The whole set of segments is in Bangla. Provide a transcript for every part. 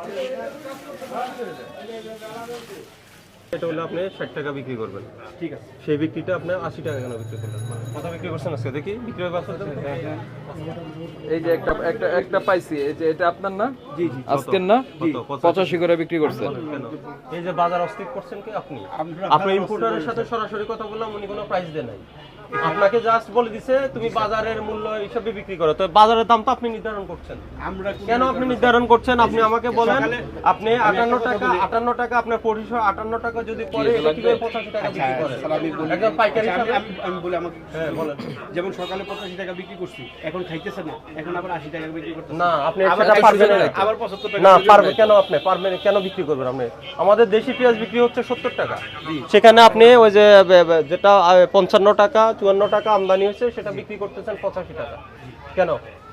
এটা হলে আপনি 60 টাকা বিক্রি করবেন, ঠিক আছে? সেই বিক্রিটা আপনি 80 টাকা কেন বিক্রি করলেন? কত বিক্রি করছেন আজকে দেখি? বিক্রি হবে আসলে এই যে একটা পাইছি, এই যে এটা আপনার না? জি জি, আজকের না? 85 করে বিক্রি করছেন। কেন? এই যে বাজার অস্থির করছেন কি আপনি? আপনি ইম্পোর্টারের সাথে সরাসরি কথা বললাম, উনি কোনো প্রাইস দেন নাই। আপনাকে জাস্ট বলে দিছে তুমি বাজারের মূল্য হিসাবে বিক্রি করো, তো বাজারের দাম তো আপনি নির্ধারণ করছেন। কেন আপনি নির্ধারণ করছেন? আপনি আমাকে বলেন, আপনি 58 টাকা আপনার 458 টাকা যদি পরে এটা কিভাবে 85 টাকা বিক্রি করেন? একদম পাইকারি হিসাবে আমি বলি আমাকে, হ্যাঁ বলেন। যেমন সকালে 85 টাকা বিক্রি করছি, এখন খাইতেছে না, এখন আবার 80 টাকা বিক্রি করতেছে। না, আপনি সেটা পারবেন না। আবার 75 টাকা না পারবে কেন? আপনি পারবেন কেন বিক্রি করবেন? আপনি আমাদের দেশি পেঁয়াজ বিক্রি হচ্ছে 70 টাকা, সেখানে আপনি ওই যে যেটা 55 টাকা 54 টাকা আমদানি হচ্ছে সেটা বিক্রি করতেছেন 85 টাকা কেন?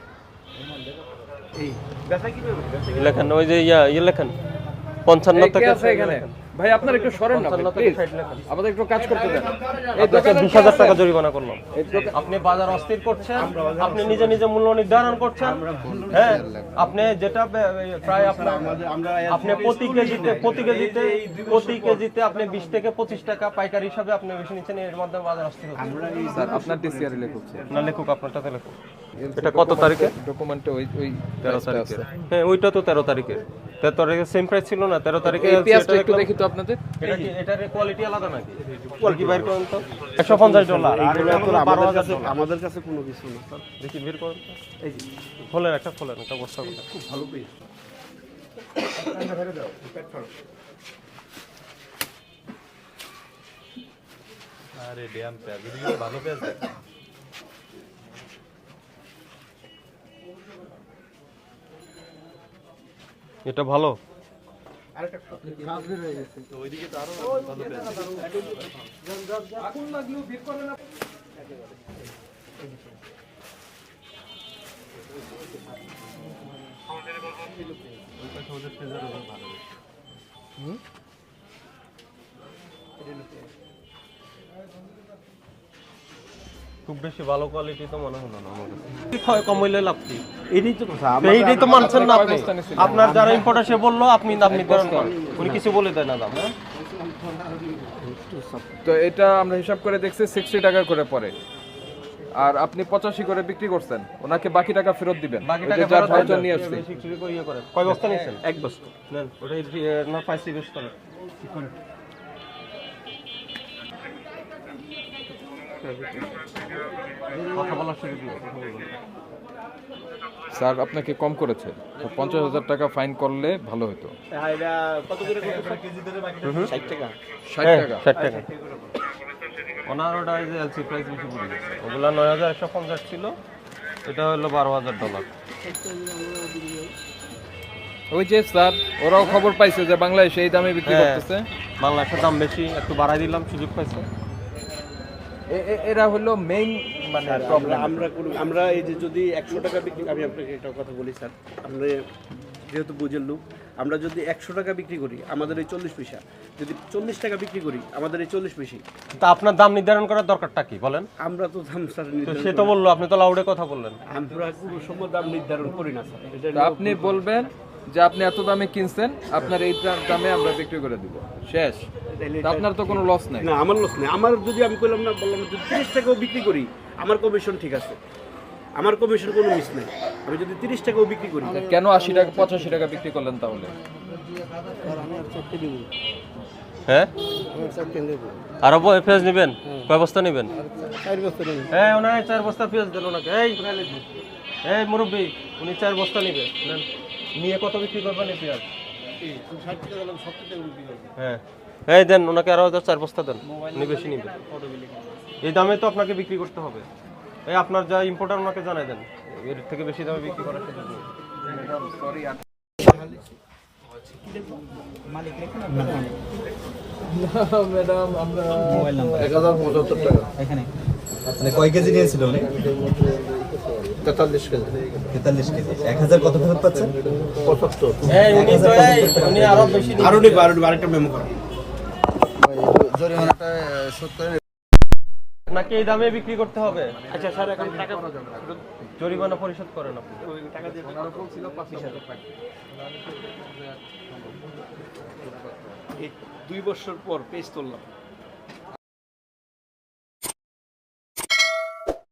এই বেচা কিভাবে? লেখেন ওই যে ইয়ে লেখেন 55 টাকা আছে এখানে। ভাই আপনার একটু সরেন না, প্লিজ আমাদের একটু কাজ করতে দেন। এই 20,000 টাকা জরিমানা করলাম। আপনি বাজার অস্থির করছেন, আপনি নিজে নিজে মূল্য নির্ধারণ করছেন। হ্যাঁ, আপনি যেটা প্রায় আপনার আপনি প্রতি কেজিতে আপনি 20 থেকে 25 টাকা পাইকারি হিসাবে আপনি বেশি নিচ্ছেন, এর মাধ্যমে বাজার অস্থির হচ্ছে। স্যার আপনার টিসিআর লেখক না লেখক আপনারটাতে লেখক। এটা কত তারিখে? ডকুমেন্টে ওই 13 তারিখে। হ্যাঁ ওইটা তো 13 তারিখে। 13 তারিখে সেম প্রাইস ছিল না? 13 তারিখে এই পেঁয়াজটা একটু দেখি তো আপনাদের। এটা কি এটার কোয়ালিটি আলাদা নাকি? কোয়ালিটি বাইর করেন তো। $150 আর এটা হলো $12,000। আমাদের কাছে কোনো কিছু না স্যার। দেখি বের করেন তো। এই যে খোলেন একটা বস্তা করে। খুব ভালো পেয়েছি। আরে ড্যাম পেঁয়াজ, ভালো পেঁয়াজ দেখ। এটা ভালো। ওইদিকে তো আরো ভালো পেঁয়াজ। খুব বেশি ভালো কোয়ালিটি তো মনে হলো না আমার কাছে। কম হইলে লাভ কি? এইটাই তো মানছেন না আপনি। আপনার যারা ইম্পোর্টার সে বললো আপনি দাম নির্ধারণ করেন, উনি কিছু বলে দেয় না দাম। হ্যাঁ তো এটা আমরা হিসাব করে দেখছি 60 টাকা করে পড়ে, আর আপনি 85 করে বিক্রি করছেন, ওনাকে বাকি টাকা ফেরত দিবেন। বাকি টাকা যা ভাউচার নিয়ে আসছে। কয় বস্তা নিয়েছেন? এক বস্তা নেন, ওটাই না পাইছি বেশ করেন। কথা বলার সুযোগ নেই, কথা বলবেন। স্যার আপনাকে কম করেছে, তো 50,000 টাকা ফাইন করলে ভালো হতো। কত করে কেজি ধরে বাকি 60 টাকা? 60 টাকা। 60 টাকা। ওনার ওটা এই যে এলসি প্রাইস বেশি পড়ে গেছে, ওগুলা 9,150 ছিল, এটা হলো $12,000। ওই যে স্যার ওরাও খবর পাইছে যে বাংলাদেশে এই দামে বিক্রি করতেছে। বাংলাদেশের দাম বেশি, একটু বাড়াই দিলাম, সুযোগ পাইছে। এরা হলো মেইন মানে প্রবলেম। আমরা এই যে যদি 100 টাকা বিক্রি, আমি আপনাকে একটা কথা বলি স্যার, আমরা যেহেতু বুঝের লোক, আমরা যদি 100 টাকা বিক্রি করি আমাদের এই 40 পয়সা, যদি 40 টাকা বিক্রি করি আমাদের এই 40 পয়সা। তা আপনার দাম নির্ধারণ করার দরকারটা কি বলেন? আমরা তো দাম স্যার তো নির্ধারণ সে তো বললো, আপনি তো লাউডে কথা বললেন। আমরা কোনো সময় দাম নির্ধারণ করি না স্যার। এটা তো আপনি বলবেন যে আপনি এত দামে কিনছেন, আপনার এই দামে আমরা বিক্রি করে দিব, শেষ। তো আপনার তো কোনো লস নাই। না, আমার লস নেই। আমার যদি আমি বললাম যদি 30 টাকাও বিক্রি করি আমার কমিশন ঠিক আছে, আমার কমিশন কোনো মিস নেই। আমি যদি 30 টাকাও বিক্রি করি, কেন 80 টাকা 85 টাকা বিক্রি করলেন তাহলে? হ্যাঁ আরো পেঁয়াজ নেবেন? কয় বস্তা নেবেন? 4 বছর হ্যাঁ ওনার 4 বস্তা পেঁয়াজ দেন ওনাকে। এই মুরব্বী, উনি 4 বস্তা নিবে, নেন। নিয়ে কত বিক্রি করবেন এই পেঁয়াজ? 60 টাকা দাম 70 টাকা বিক্রি করব। হ্যাঁ এই দেন ওনাকে আরো 4 বস্তা দেন, উনি বেশি নিবে। এই দামে তো আপনাকে বিক্রি করতে হবে। এই আপনার যা ইম্পোর্টার ওনাকে জানাই দেন, এর থেকে বেশি দামে বিক্রি করার সুযোগ নেই। ম্যাডাম আমরা মোবাইল নাম্বার 1075 টাকা। এখানে মানে কয় কেজি নিয়েছিল উনি? 43 কেজি। 43 কেজি। 1000 কত ফেরত পাচ্ছেন? 75। এই উনি আরো বেশি নিবে। আরো নিব, আরেকটা মেমো করো। জরিমানাটা শোধ করে নাকি এই দামে বিক্রি করতে হবে? আচ্ছা স্যার, এখন টাকা জরিমানা পরিশোধ করেন আপনি। ওই টাকা দিয়ে ওনারা বলছিল 5,000 টাকা। এই 2 বছর পর পেজ তুললাম,